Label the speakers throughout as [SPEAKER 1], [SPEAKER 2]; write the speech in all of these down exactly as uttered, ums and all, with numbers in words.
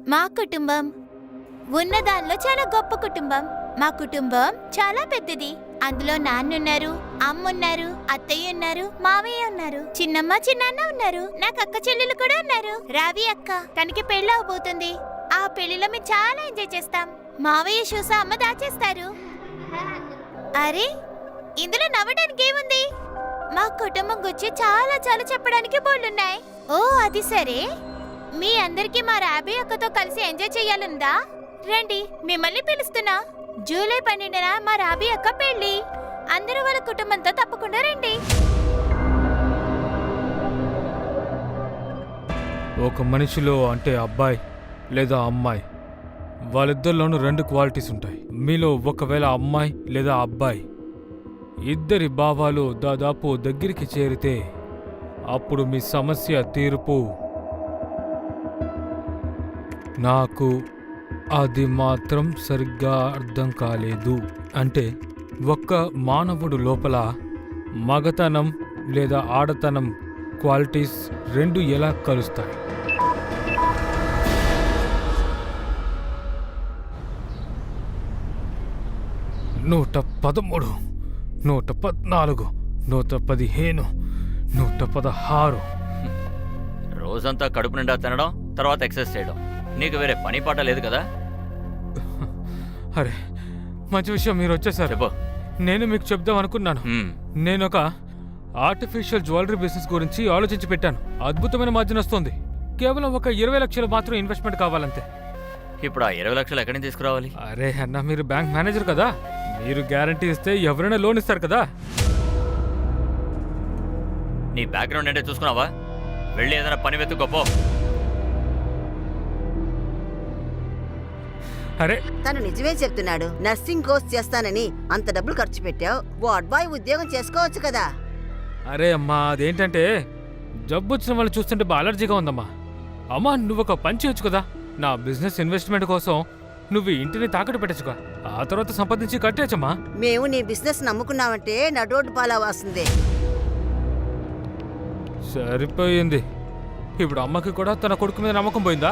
[SPEAKER 1] మా కుటుంబం ఉన్నదానిలో చాలా గొప్ప కుటుంబం. మా కుటుంబం చాలా పెద్దది. అందులో నాన్నున్నారు, అమ్మున్నారు, అత్తయ్య ఉన్నారు, మావయ్య ఉన్నారు, చిన్నమ్మ చిన్నాన్న ఉన్నారు, నాకు అక్క చెల్లెలు కూడా ఉన్నారు. రావి అక్క, తనకి పెళ్ళి అవబోతుంది. ఆ పెళ్లిలో మేము చాలా ఎంజాయ్ చేస్తాం. మావయ్య షూస అమ్మ దాచేస్తారు. అరే, ఇందులో నవ్వడానికి ఏముంది? మా కుటుంబం గురించి చాలా చాలా చెప్పడానికి బోళ్ళున్నాయి. ఓ అది సరే, మీ అందరికి మా రాబీ అక్కతో కలిసి ఎంజాయ్ చెయ్యాలందా? రండి, మిమ్మల్ని పిలుస్తున్నా. జూలై పన్నెండున మా రాబీ అక్క పెళ్లి. అందరూ వాళ్ళ కుటుంబంతో తప్పకుండా రండి.
[SPEAKER 2] ఒక మనిషిలో అంటే అబ్బాయి లేదా అమ్మాయి, వాళ్ళిద్దరిలోనూ రెండు క్వాలిటీస్ ఉంటాయి. మీలో ఒకవేళ అమ్మాయి లేదా అబ్బాయి ఇద్దరి భావాలు దాదాపు దగ్గరికి చేరితే అప్పుడు మీ సమస్య తీర్పు. నాకు అది మాత్రం సరిగ్గా అర్థం కాలేదు. అంటే ఒక్క మానవుడు లోపల మగతనం లేదా ఆడతనం క్వాలిటీస్ రెండు ఎలా కలుస్తాయి? నూట పదమూడు, నూట పద్నాలుగు, నూట పదిహేను, నూట పదహారు.
[SPEAKER 3] రోజంతా కడుపు నిండా తినడం, తర్వాత ఎక్సర్సైజ్ చేయడం, నీకు వేరే పని పాట లేదు కదా?
[SPEAKER 2] అరే, మంచి విషయం మీరు వచ్చేసారు.
[SPEAKER 3] చెప్పు.
[SPEAKER 2] నేను మీకు చెప్దాం అనుకున్నాను.
[SPEAKER 3] హ్మ్.
[SPEAKER 2] నేను ఒక ఆర్టిఫిషియల్ జ్యువెలరీ బిజినెస్ గురించి ఆలోచించి పెట్టాను. అద్భుతమైన మార్జిన్ వస్తుంది. కేవలం ఒక ఇరవై లక్షలు మాత్రం ఇన్వెస్ట్మెంట్ కావాలంతే.
[SPEAKER 3] ఇప్పుడు ఆ ఇరవై లక్షలు ఎక్కడి నుంచి తీసుకురావాలి?
[SPEAKER 2] అరే అన్న, మీరు బ్యాంక్ మేనేజర్ కదా, మీరు గ్యారంటీ ఇస్తే ఎవరైనా లోన్ ఇస్తారు కదా.
[SPEAKER 3] నీ బ్యాక్గ్రౌండ్ అంటే చూసుకున్నావా? వెళ్ళి ఏదైనా పని వెతుక్కోపో.
[SPEAKER 2] అరే,
[SPEAKER 4] తను నిజమే చెప్తున్నాడు. నర్సింగ్ కోర్స్ చేస్తానని అంత డబ్బులు ఖర్చు పెట్టావు. వార్డ్ బాయ్ ఉద్యోగం చేసుకోవచ్చు కదా.
[SPEAKER 2] అరే అమ్మా, అదేంటంటే జబ్బు వచ్చిన వాళ్ళు చూస్తుంటే బాగా అలర్జీగా ఉందమ్మా. అమ్మా, నువ్వు ఒక పని చేయొచ్చు కదా. నా బిజినెస్ ఇన్వెస్ట్మెంట్ కోసం నువ్వు ఇంటిని తాకట్టు పెట్టచ్చుగా, ఆ తర్వాత సంపాదించి కట్టేయచ్చమ్మా.
[SPEAKER 4] మేము నీ బిజినెస్ నమ్ముకున్నామంటే నడోడ్డు పాలా వాసిందే.
[SPEAKER 2] సరిపోయింది. ఇప్పుడు అమ్మకి కూడా తన కొడుకు మీద నమ్మకం పోయిందా?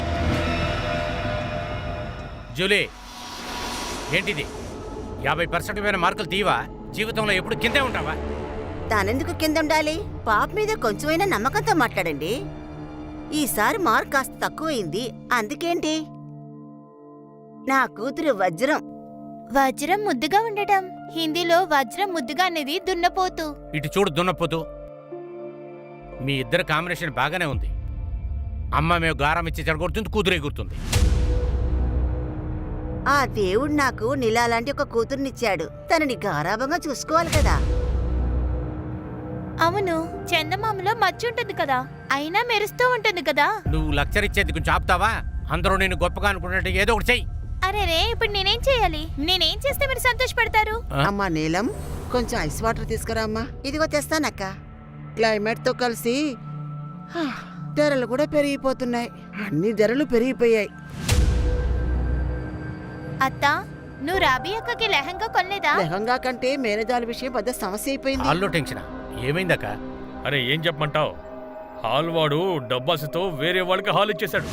[SPEAKER 5] జూలీ, ఏంటిది? యాభై పర్సెంట్ మీద మార్కులు తీవా? జీవితంలో ఎప్పుడు కిందే ఉంటావా?
[SPEAKER 4] తానెందుకు కింద ఉండాలి? పాప మీద కొంచెమైనా నమ్మకంతో మాట్లాడండి. ఈసారి మార్క్ కాస్త తక్కువైంది, అందుకేంటి? నా కూతురు వజ్రం.
[SPEAKER 1] వజ్రం ముద్దుగా ఉండటం, హిందీలో వజ్రం ముద్దుగా అనేది దున్నపోతు.
[SPEAKER 5] ఇటు చూడు దున్నపోతూ, మీ ఇద్దరు కాంబినేషన్ బాగానే ఉంది. అమ్మ మేము గారం ఇచ్చి చెడగొడుతుంది, కూతురు ఎగురుతుంది.
[SPEAKER 4] ఆ దేవుడు నాకు నీలాంటి ఒక కూతుర్నిచ్చాడు. తనని గారాభంగా చూసుకోవాలి కదా.
[SPEAKER 1] అవును, చందమామలో మచ్చుంటుంది కదా, అయినా మెరుస్తూ ఉంటుంది కదా.
[SPEAKER 5] నువ్వు లక్చర్ ఇచ్చేది కొంచెం ఆపుతావా? అందరూ నేను గొప్పగా అనుకున్నట్టు ఏదో ఒకటి చెయ్యి.
[SPEAKER 1] అరే రే, ఇప్పుడు నేనేం చేయాలి? నేనేం చేస్తే మీరు సంతోషపడతారు?
[SPEAKER 4] అమ్మా నీలం, కొంచెం ఐస్ వాటర్ తీసుకురా అమ్మా. ఇదిగో తెస్తానక్క. క్లైమేట్ తో కలిసి హా, ధరలు కూడా పెరిగిపోతున్నాయి. అన్ని ధరలు పెరిగిపోయాయి.
[SPEAKER 1] అత్తా, నువ్వు రాబీ అక్కకి లెహంగా కొనలేదా?
[SPEAKER 4] లెహంగా కంటే మేనేజాల విషయం పెద్ద సమస్య అయిపోయింది.
[SPEAKER 5] హాల్లో టెన్షన్ ఏమైందక్క?
[SPEAKER 2] అరే, ఏం చెప్పమంటావు? హాల్ వాడు డబ్బాసుతో వేరే వాళ్ళకి హాల్ ఇచ్చేశాడు.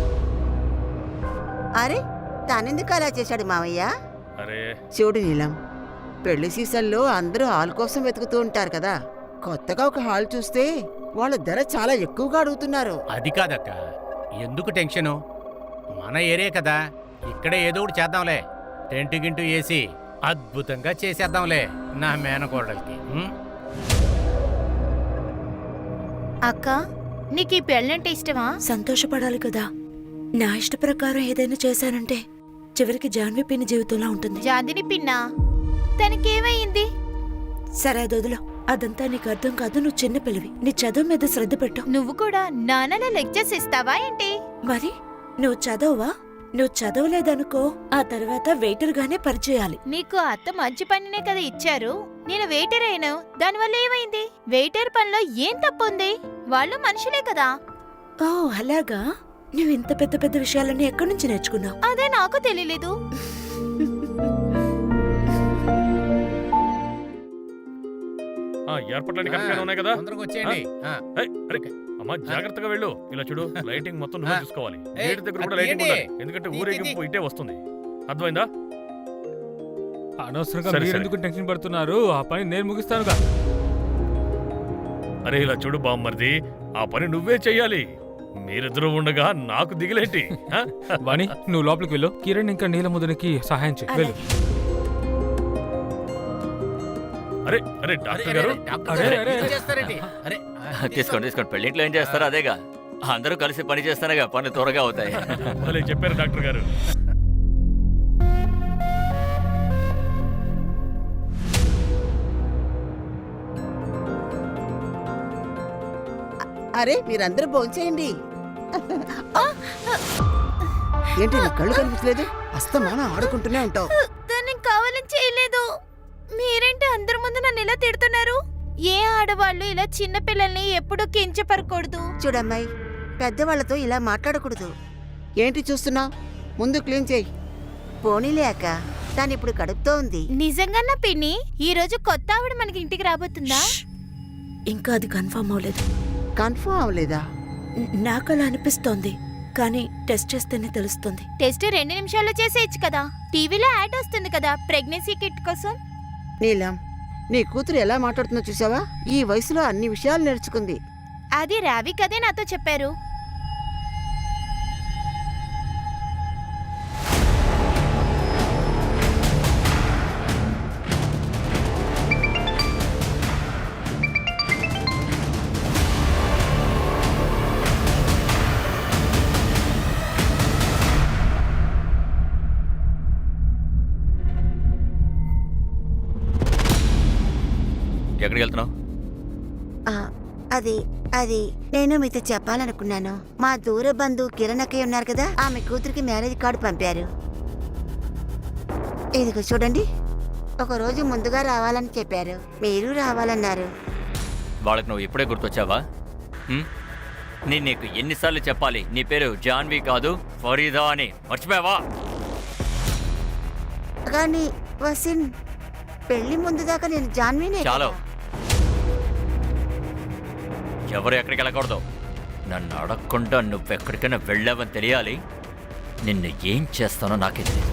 [SPEAKER 4] అరే, తానెందుకు అలా చేశాడు మావయ్య?
[SPEAKER 2] అరే
[SPEAKER 4] చూడు నీలం, పెళ్లి సీజన్లో అందరూ హాల్ కోసం వెతుకుతూ ఉంటారు కదా. కొత్తగా ఒక హాల్ చూస్తే వాళ్ళ ధర చాలా ఎక్కువగా అడుగుతున్నారు.
[SPEAKER 5] అది కాదక్క, ఎందుకు టెన్షను? మన ఏరియా కదా, ఇక్కడే ఏదో ఒకటి చేద్దాంలే. టెంటు గింటూ వేసి అద్భుతంగా చేసేద్దాంలే నా మేనకోడలికి. ఉం?
[SPEAKER 1] అక్క, నీకు ఈ పెళ్ళంటే ఇష్టమా?
[SPEAKER 6] సంతోషపడాలి కదా. నా ఇష్ట ప్రకారం ఏదైనా చేశానంటే చివరికి జాన్వి పిన్ని జీవితంలో ఉంటుంది.
[SPEAKER 1] జాదిని పిన్నా, తనకేమైంది?
[SPEAKER 6] సరే అదొదులో, అదంతా నీకు అర్థం కాదు. నువ్వు చిన్న పిల్లవి, నీ చదువు మీద శ్రద్ధ పెట్టు.
[SPEAKER 1] నువ్వు కూడా నాన్నల లెక్చర్స్ ఇస్తావా ఏంటి?
[SPEAKER 6] మరి నువ్వు చదవవా? నువ్వు చదవలేదనుకో, ఆ తర్వాత వెయిటర్ గానే పరిచేయాలి.
[SPEAKER 1] నీకు అత్త మంచి పనినే కదా ఇచ్చారు. నేను వెయిటర్ అయినా దానివల్ల ఏమైంది? వెయిటర్ పనిలో ఏం తప్పుంది? వాళ్ళు మనుషులే కదా.
[SPEAKER 6] ఓ అలాగా? నువ్వు ఇంత పెద్ద పెద్ద విషయాలన్నీ ఎక్కడి నుంచి నేర్చుకున్నావు?
[SPEAKER 1] అదే నాకు తెలియలేదు.
[SPEAKER 2] ఏర్పాట్లన్నీ కరెక్ట్గానే ఉన్నాయి కదా?
[SPEAKER 5] తొందరగా వచ్చేయండి. ఆ.
[SPEAKER 7] అమ్మా జాగ్రత్తగా వెళ్ళు. ఇలా చూడు, లైటింగ్ మొత్తం నువ్వే
[SPEAKER 5] ఆ.
[SPEAKER 7] చూసుకోవాలి.
[SPEAKER 5] ఏయ్,
[SPEAKER 7] గేట్ దగ్గర కూడా
[SPEAKER 5] అది
[SPEAKER 7] లైటింగ్
[SPEAKER 5] ఏంటి?
[SPEAKER 7] ఉండాలి, ఎందుకంటే
[SPEAKER 5] తీ, తీ,
[SPEAKER 7] ఊరేగింపు
[SPEAKER 5] తీ.
[SPEAKER 7] ఇటే వస్తుంది. అర్థమైందా?
[SPEAKER 2] అనవసరంగా
[SPEAKER 7] సరే,
[SPEAKER 2] మీరు
[SPEAKER 7] సరే.
[SPEAKER 2] ఎందుకు టెన్షన్ పడుతున్నారు? ఆ పని నేను ముగిస్తానుగా.
[SPEAKER 7] అరే ఇలా చూడు బామ్మర్ది, ఆ పని నువ్వే చెయ్యాలి. మీరిద్దరూ ఉండగా నాకు దిగులేంటి? ఆ?
[SPEAKER 2] వాణి, నువ్వు లోపలికి వెళ్ళు. కిరణ్ ఇంకా నీలముద్రకి సహాయం చేయి. వెళ్ళు.
[SPEAKER 7] అరే అరే
[SPEAKER 5] అరే,
[SPEAKER 7] డాక్టర్
[SPEAKER 5] అరే,
[SPEAKER 7] గారు,
[SPEAKER 5] అరే, డాక్టర్
[SPEAKER 2] అరే,
[SPEAKER 5] గారు,
[SPEAKER 2] అరే,
[SPEAKER 5] ఏం
[SPEAKER 2] అరే.
[SPEAKER 5] చేస్తారేంటి? అరే, ఆ,
[SPEAKER 3] తీసుకోండి తీసుకోండి, పెళ్ళింట్లో ఏం చేస్తారో అదేగా. అందరూ కలిసి పని చేస్తారుగా, పనులు త్వరగా అవుతాయి.
[SPEAKER 7] భలే చెప్పారు డాక్టర్ గారు.
[SPEAKER 4] అరే మీరందరూ భోంచేయండి. ఏంటి నీ కళ్ళు కనిపించలేదు? అస్తమానం ఆడుకుంటూనే ఉంటావు.
[SPEAKER 1] దాన్ని కావాలని చేయలేదు. మీరేంటి అందరి ముందు నన్ను ఇలా తిడుతున్నారు? ఏ ఆడవాళ్ళు ఇలా చిన్న పిల్లల్ని ఎప్పుడూ కించపరకూడదు.
[SPEAKER 4] చూడమ్మాయి, పెద్దవాళ్లతో ఇలా మాట్లాడకూడదు. ఏంటి చూస్తున్నావు? ముందు క్లీన్ చేయి. పోనీలే అక్క, దాని ఇప్పుడు కడుపుతో ఉంది.
[SPEAKER 1] నిజంగా నా పిన్ని, ఈ రోజు కొత్త ఆవిడ మనకి ఇంటికి రాబోతుందా?
[SPEAKER 6] షష్! ఇంకా అది కన్ఫర్మ్ అవ్వలేదు.
[SPEAKER 4] కన్ఫర్మ్ అవ్వలేదా?
[SPEAKER 6] న- నాకు అలా అనిపిస్తోంది, కానీ టెస్ట్ చేస్తేనే తెలుస్తుంది.
[SPEAKER 1] టెస్ట్ రెండు నిమిషాల్లో చేసేయచ్చు కదా. టీవీలో యాడ్ వస్తుంది కదా ప్రెగ్నెన్సీ కిట్ కోసం.
[SPEAKER 4] నీలం, నీ కూతురు ఎలా మాట్లాడుతుందో చూసావా? ఈ వయసులో అన్ని విషయాలు నేర్చుకుంది.
[SPEAKER 1] అది రావి కదే నాతో చెప్పారు.
[SPEAKER 3] ఎక్కడికి వెళ్తున్నావు?
[SPEAKER 4] ఆ, అది అది నేను మీతో చెప్పాలనుకున్నాను. మా దూర బంధువు కిరణ్ అక్కయ్య ఉన్నారు కదా, ఆమె కూతురికి మ్యారేజ్ కార్డు పంపారు. ఇదిగో చూడండి. ఒక రోజు ముందుగా రావాలని చెప్పారు, మీరు రావాలన్నారు.
[SPEAKER 3] వాళ్ళకి నువ్వు ఇప్పుడే గుర్తొచ్చావా? హ్మ్? నేను నీకు ఎన్నిసార్లు చెప్పాలి, నీ పేరు జాన్వి కాదు ఫరీదా అని, మర్చిపోయావా?
[SPEAKER 4] కానీ వసిన్, పెళ్లి ముందు దాకా నేను జాన్వీనే
[SPEAKER 3] చాలు.
[SPEAKER 4] కదా.
[SPEAKER 3] ఎవరు ఎక్కడికి వెళ్ళకూడదు. నన్ను అడగకుండా నువ్వెక్కడికైనా వెళ్ళావని తెలియాలి. నిన్ను ఏం చేస్తానో నాకే తెలియదు.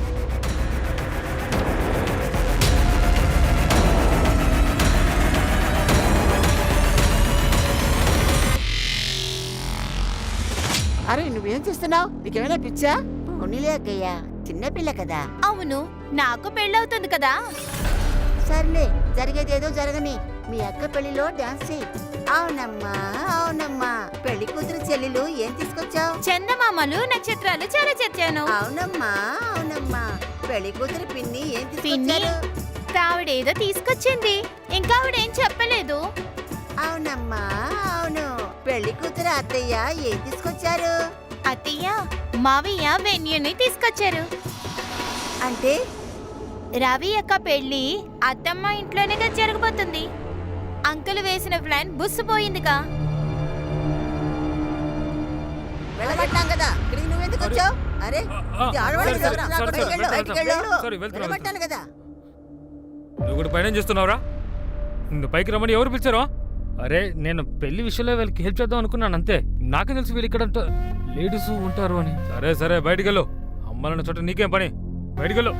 [SPEAKER 4] అరే నువ్వేం చేస్తున్నావు? నీకేమైనా పిచ్చా? పోనీలే అక్కయ్య, చిన్నపిల్ల కదా.
[SPEAKER 1] అవును, నాకు పెళ్ళవుతుంది కదా.
[SPEAKER 4] సర్లే, జరిగేదేదో జరగని. మీ అక్క పెళ్లిలో డాన్స్ చేయి. అవునమ్మా అవునమ్మా. పెళ్లి కూతురు చెల్లెలు ఏం తీసుకొచ్చావు?
[SPEAKER 1] చందమామలు నక్షత్రాలు చాలా చచ్చాను.
[SPEAKER 4] అవునమ్మా అవునమ్మా. పెళ్లి కూతురు పిన్ని ఏం
[SPEAKER 1] పిన్ని
[SPEAKER 4] తీసుకొచ్చారు?
[SPEAKER 1] ఆవిడేదో తీసుకొచ్చింది, ఇంకా ఆవిడేం చెప్పలేదు.
[SPEAKER 4] అవునమ్మా అవును. పెళ్లి కూతురు అత్తయ్య ఏం తీసుకొచ్చారు?
[SPEAKER 1] అత్తయ్య, మావయ్య వెన్యూని తీసుకొచ్చారు.
[SPEAKER 4] అంటే
[SPEAKER 1] రవి యొక్క పెళ్లి అత్తమ్మ ఇంట్లోనే జరగబోతుంది. అంకుల్ వేసిన ప్లాన్ బుస్సుపోయిందిగా.
[SPEAKER 4] వెళ్ళబట్టాం కదా, ఇక్కడికి నువ్వెందుకు వచ్చావు? అరే
[SPEAKER 2] ఆ,
[SPEAKER 4] ఇది ఆడవాళ్ళకి
[SPEAKER 2] సరే,
[SPEAKER 4] ప్రోగ్రాం,
[SPEAKER 2] సరే,
[SPEAKER 4] బయటికి
[SPEAKER 2] సరే,
[SPEAKER 4] వెళ్ళు, బయటికి
[SPEAKER 2] వెళ్తున్నా,
[SPEAKER 4] వెళ్ళు.
[SPEAKER 2] సరే, వెళ్తున్నా,
[SPEAKER 4] వెళ్ళబట్టాను కదా.
[SPEAKER 2] నువ్వు కూడా పైన చేస్తున్నావురా? నువ్వు పైకి రమ్మని ఎవరు పిలిచారో? అరే నేను పెళ్లి విషయంలో వీళ్ళకి హెల్ప్ చేద్దాం అనుకున్నాను అంతే. నాకే తెలుసు వీళ్ళు ఇక్కడ లేడీస్ ఉంటారు అని. సరే సరే బయటికెళ్ళు. అమ్మాలన్న చోట నీకేం పని? బయటికెళ్ళు.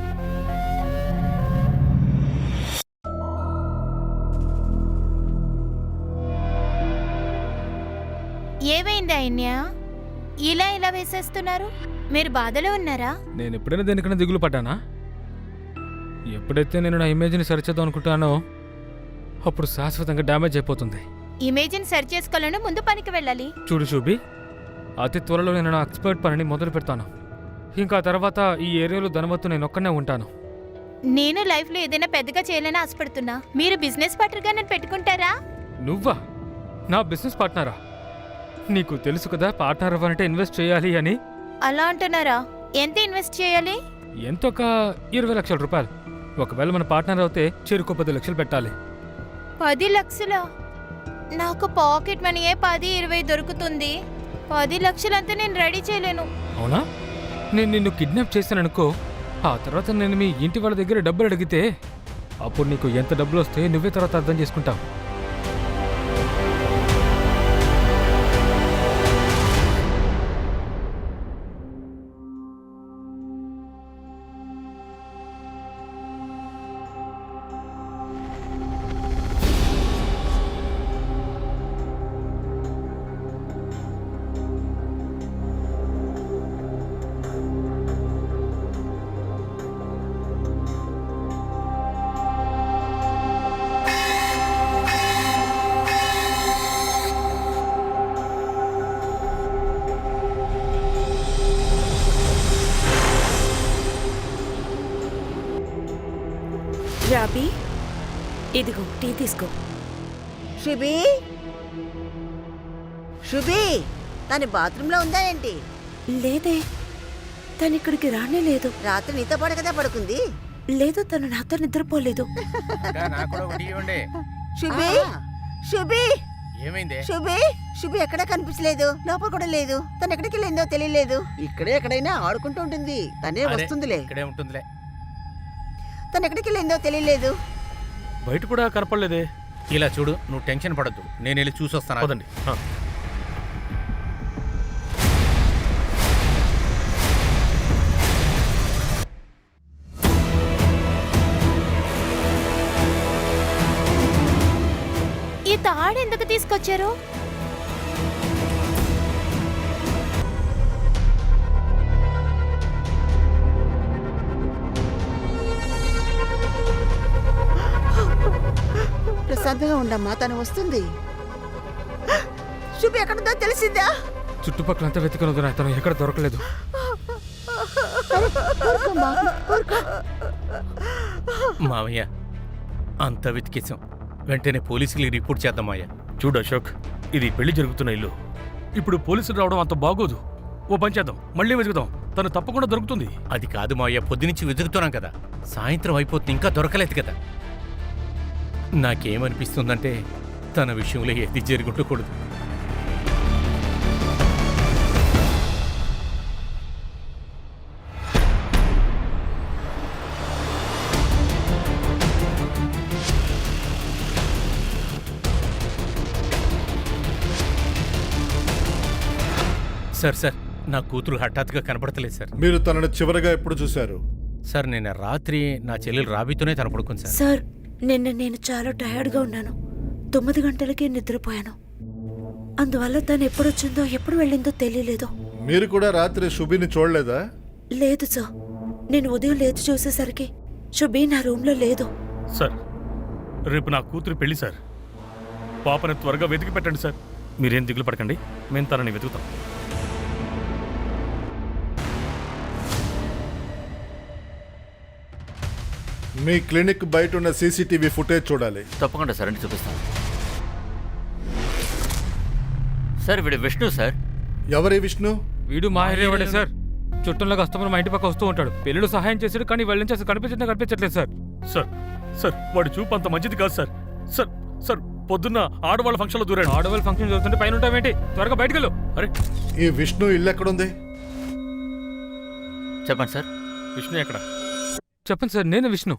[SPEAKER 1] ఏమైంది అయిన్య? ఇలా ఇలా వేసేస్తున్నారు? మీరు బాధలో ఉన్నారా?
[SPEAKER 2] నేను ఎప్పుడైనా దేనికైనా దిగులు పడ్డానా? ఎప్పుడైతే నేను నా ఇమేజ్ని సరిచేద్దాం అనుకుంటానో అప్పుడు శాశ్వతంగా డ్యామేజ్ అయిపోతుంది.
[SPEAKER 1] ఇమేజ్ని సరి చేసుకోవాలని ముందు పనికి వెళ్ళాలి.
[SPEAKER 2] చూడు శోభి, అతి త్వరలో నేను నా ఎక్స్పర్ట్ పనిని మొదలు పెడతాను. ఇంకా తర్వాత ఈ ఏరియాలో ధనవత్తు నేను ఒక్కనే ఉంటాను.
[SPEAKER 1] నేను లైఫ్లో ఏదైనా పెద్దగా చేయాలని ఆశపడుతున్నా. మీరు బిజినెస్ పార్ట్నర్గా నన్ను పెట్టుకుంటారా?
[SPEAKER 2] నువ్వా నా బిజినెస్ పార్ట్నరా? నీకు తెలుసు కదా పార్ట్నర్ అవ్వాలంటే ఇన్వెస్ట్ చేయాలి అని.
[SPEAKER 1] అలా అంటున్నారా? ఎంత ఇన్వెస్ట్ చేయాలి?
[SPEAKER 2] ఎంత ఒక ఇరవై లక్షల రూపాయలు. ఒకవేళ మన పార్ట్నర్ అవుతే చెరుకు పది లక్షలు పెట్టాలి.
[SPEAKER 1] పది లక్షల? నాకు పాకెట్ మనీయే పది ఇరవై దొరుకుతుంది. పది లక్షలంతా నేను రెడీ చేయలేను.
[SPEAKER 2] అవునా? నేను నిన్ను కిడ్నాప్ చేశాననుకో, ఆ తర్వాత నేను మీ ఇంటి వాళ్ళ దగ్గర డబ్బులు అడిగితే అప్పుడు నీకు ఎంత డబ్బులు వస్తే నువ్వే తర్వాత అర్థం చేసుకుంటావు.
[SPEAKER 6] రాబీ ఇదిగో టీ తీసుకో.
[SPEAKER 4] శుభి శుభి తను బాత్రూంలో ఉందా ఏంటి?
[SPEAKER 6] లేదే, తను ఇక్కడికి రానే లేదు.
[SPEAKER 4] రాత్రి నీతో పాటు కదా పడుకుంది.
[SPEAKER 6] లేదు, తను నాతో నిద్రపోలేదు.
[SPEAKER 5] అదా, నాకు కూడా ఒకటి ఇవ్వండి.
[SPEAKER 4] శుభి శుభి
[SPEAKER 5] ఏమైంది?
[SPEAKER 4] శుభి శుభి ఎక్కడా కనిపించలేదు, లోపల కూడా లేదు. తను ఎక్కడికి వెళ్ళిందో తెలియలేదు. ఇక్కడే ఎక్కడైనా ఆడుకుంటూ ఉంటుంది. తనే
[SPEAKER 5] అదే,
[SPEAKER 4] వస్తుందిలే.
[SPEAKER 5] ఇక్కడే ఉంటుందిలే.
[SPEAKER 4] తను ఎక్కడికి వెళ్ళిందో తెలియలేదు.
[SPEAKER 7] బయట కూడా కనపడలేదే.
[SPEAKER 5] ఇలా చూడు, నువ్వు టెన్షన్ పడద్దు, నేను వెళ్ళి చూసొస్తాను.
[SPEAKER 7] పదండి. ఆ.
[SPEAKER 1] ఈ తాడు ఎందుకు తీసుకొచ్చారు?
[SPEAKER 4] ప్రశాంతంగా ఉండమ్మా, తను వస్తుంది. శుభి ఎక్కడుందో తెలిసిందా?
[SPEAKER 2] చుట్టుపక్కలంతా వెతికనుంది, తను ఎక్కడ దొరకలేదు.
[SPEAKER 5] మావయ్య, అంత వెతికేశాం, వెంటనే పోలీసులకి రిపోర్ట్ చేద్దామయ్యా.
[SPEAKER 7] చూడు అశోక్, ఇది పెళ్లి జరుగుతున్న ఇల్లు. ఇప్పుడు పోలీసులు రావడం అంత బాగోదు. ఓ పని చేద్దాం, మళ్ళీ వెతుకుదాం. తను తప్పకుండా దొరుకుతుంది.
[SPEAKER 5] అది కాదు మావయ్య, పొద్దునుంచి వెతుకుతున్నాం కదా, సాయంత్రం అయిపోతుంది, ఇంకా దొరకలేదు కదా. నాకేమనిపిస్తుందంటే తన విషయంలో ఏది జరుగుండకూడదు. సార్ సార్ నా కూతురు హఠాత్తుగా కనపడతలేదు సార్.
[SPEAKER 8] మీరు తనను చివరగా ఎప్పుడు చూశారు?
[SPEAKER 5] సార్ నిన్న రాత్రి నా చెల్లెలు రాబీతోనే తన పడుకుంది సార్.
[SPEAKER 6] సార్, నిన్న నేను చాలా టయర్డ్గా ఉన్నాను. తొమ్మిది గంటలకి నిద్రపోయాను. అందువల్ల తను ఎప్పుడొచ్చిందో ఎప్పుడు వెళ్ళిందో తెలియలేదు.
[SPEAKER 8] మీరు కూడా రాత్రి శుభిని చూడలేదా?
[SPEAKER 6] లేదు సార్, నేను ఉదయం లేచి చూసేసరికి శుభి నా రూమ్లో లేదు.
[SPEAKER 7] సార్, రేపు నా కూతురు పెళ్లి సార్. పాపని త్వరగా వెతికి పెట్టండి సార్. మీరేం దిగులు పడకండి, మేము తనని వెతుకుతాం.
[SPEAKER 8] మీ క్లినిక్ బయట ఉన్న సీసీటీవీ ఫుటేజ్ చూడాలి.
[SPEAKER 3] తప్పకుండా సార్, అని చూపిస్తాను. సార్ వీడు విష్ణు సార్.
[SPEAKER 8] ఎవరి విష్ణు?
[SPEAKER 2] వీడు మా ఏరియావాడే సార్. చుట్టంలో కస్టమర్ మా ఇంటి పక్క వస్తూ ఉంటాడు. పెళ్ళిళ్ళు సహాయం చేశాడు, కానీ వాళ్ళ నుంచి అసలు కనిపించడం కనిపించట్లేదు సార్.
[SPEAKER 7] సార్ సార్ వాడి చూపు అంత మంచిది కాదు సార్. సార్ సార్ పొద్దున్న ఆడవాళ్ళ ఫంక్షన్లో దూరాడు.
[SPEAKER 2] ఆడవాళ్ళ ఫంక్షన్ చూస్తుంటే పైన ఉంటావేంటి? త్వరగా బయటకు వెళ్ళు.
[SPEAKER 7] అరే
[SPEAKER 8] ఈ విష్ణు ఇల్లు ఎక్కడుంది?
[SPEAKER 3] చెప్పండి సార్.
[SPEAKER 7] విష్ణు ఎక్కడ?
[SPEAKER 2] చెప్పండి సార్, నేను విష్ణు.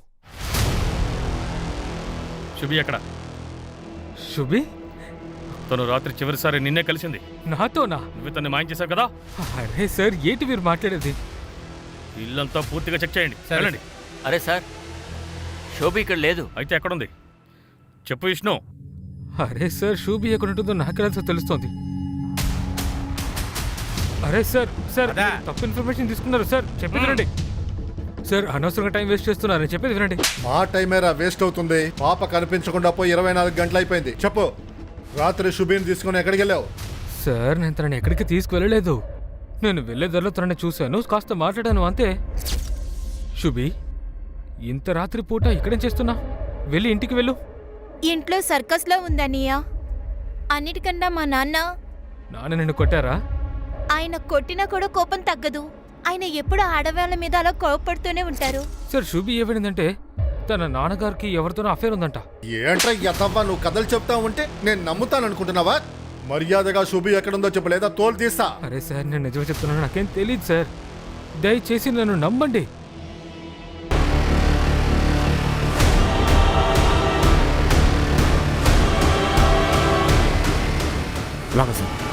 [SPEAKER 7] శుభి ఎక్కడ?
[SPEAKER 2] శుభి
[SPEAKER 7] తను రాత్రి చివరిసారి నిన్నే కలిసింది.
[SPEAKER 2] నాతోనా?
[SPEAKER 7] నువ్వు తన్ని మాయం చేశావు కదా.
[SPEAKER 2] అరే సార్, ఏంటి మీరు మాట్లాడేది?
[SPEAKER 7] ఇల్లంతా పూర్తిగా చెక్ చేయండి.
[SPEAKER 5] సరే.
[SPEAKER 7] వెళ్ళండి.
[SPEAKER 3] అరే సార్, శోభి ఇక్కడ లేదు.
[SPEAKER 7] అయితే ఎక్కడుంది చెప్పు విష్ణు.
[SPEAKER 2] అరే సార్, శుభి ఎక్కడ ఉంటుందో నాకెలా తెలుస్తోంది. అరే సార్ సార్
[SPEAKER 5] అదా?
[SPEAKER 2] మీరు తప్పు ఇన్ఫర్మేషన్ తీసుకున్నారు సార్. చెప్పేది వినండి సార్. అనవసరంగా టైం వేస్ట్ చేస్తున్నారు. చెప్పేది వినండి.
[SPEAKER 8] మా టైమేరా వేస్ట్ అవుతుంది. పాప కనిపించకుండా పోయి ఇరవై నాలుగు గంటలు అయిపోయింది. చెప్పు, రాత్రి శుభిని తీసుకుని ఎక్కడికి వెళ్ళావు?
[SPEAKER 2] సార్, నేను తనని ఎక్కడికి తీసుకువెళ్ళలేదు. నేను వెళ్ళేదారిలో తనని చూశాను, కాస్త మాట్లాడాను అంతే. శుభి, ఇంత రాత్రి పూట ఇక్కడేం చేస్తున్నా? వెళ్ళి ఇంటికి వెళ్ళు.
[SPEAKER 1] ఇంట్లో సర్కస్లో ఉందన్నయ్య. అన్నిటికన్నా మా నాన్న,
[SPEAKER 2] నాన్న నిన్ను కొట్టారా?
[SPEAKER 1] ఆయన కొట్టినా కూడా కోపం తగ్గదు. ఆయన ఎప్పుడు ఆడవాళ్ళ మీద అలా కోపడుతూనే ఉంటారు.
[SPEAKER 2] సార్, శుభి ఏమైందంటే తన నాన్నగారికి ఎవరితోనో అఫేర్ ఉందంట.
[SPEAKER 8] ఏంట్రా ఎత్తవ్వా, నువ్వు కథలు చెప్తా ఉంటే నేను నమ్ముతాను అనుకుంటున్నావా? మర్యాదగా శుభి ఎక్కడుందో చెప్పు, లేదా తోలు తీస్తా.
[SPEAKER 2] అరే సార్, నేను నిజమే చెప్తున్నాను, నాకేం తెలియదు సార్. దయచేసి నన్ను నమ్మండి.
[SPEAKER 9] అలాగే సార్.